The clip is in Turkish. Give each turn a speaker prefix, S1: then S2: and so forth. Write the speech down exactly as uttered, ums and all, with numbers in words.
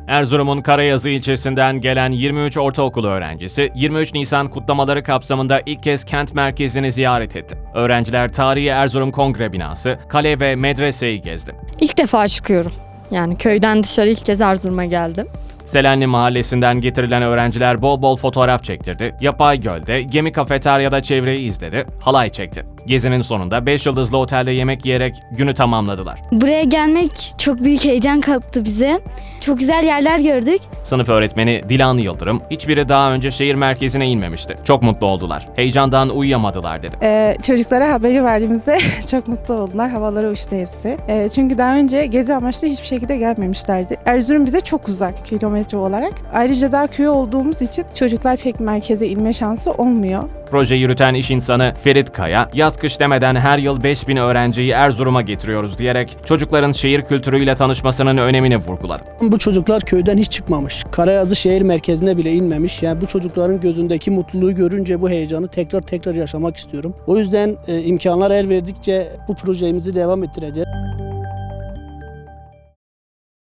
S1: Erzurum'un Karayazı ilçesinden gelen yirmi üç ortaokul öğrencisi yirmi üç Nisan kutlamaları kapsamında ilk kez kent merkezini ziyaret etti. Öğrenciler tarihi Erzurum Kongre Binası, kale ve medreseyi gezdi.
S2: İlk defa çıkıyorum. Yani köyden dışarı ilk kez Erzurum'a geldim.
S1: Selenli Mahallesi'nden getirilen öğrenciler bol bol fotoğraf çektirdi. Yapay Göl'de, gemi kafeteryada çevreyi izledi, halay çekti. Gezinin sonunda beş yıldızlı otelde yemek yiyerek günü tamamladılar.
S3: Buraya gelmek çok büyük heyecan kattı bize. Çok güzel yerler gördük.
S1: Sınıf öğretmeni Dilan Yıldırım, hiçbiri daha önce şehir merkezine inmemişti. Çok mutlu oldular. Heyecandan uyuyamadılar dedi.
S4: Ee, çocuklara haberi verdiğimizde çok mutlu oldular. Havalara uçtu hepsi. Ee, çünkü daha önce gezi amaçlı hiçbir şekilde gelmemişlerdi. Erzurum bize çok uzak kilometre olarak. Ayrıca daha köy olduğumuz için çocuklar pek merkeze inme şansı olmuyor.
S1: Proje yürüten iş insanı Ferit Kaya, yaz kış demeden her yıl beş bin öğrenciyi Erzurum'a getiriyoruz diyerek çocukların şehir kültürüyle tanışmasının önemini vurguladı.
S5: Bu çocuklar köyden hiç çıkmamış. Karayazı şehir merkezine bile inmemiş. Yani bu çocukların gözündeki mutluluğu görünce bu heyecanı tekrar tekrar yaşamak istiyorum. O yüzden e, imkanlar el verdikçe bu projemizi devam ettireceğiz.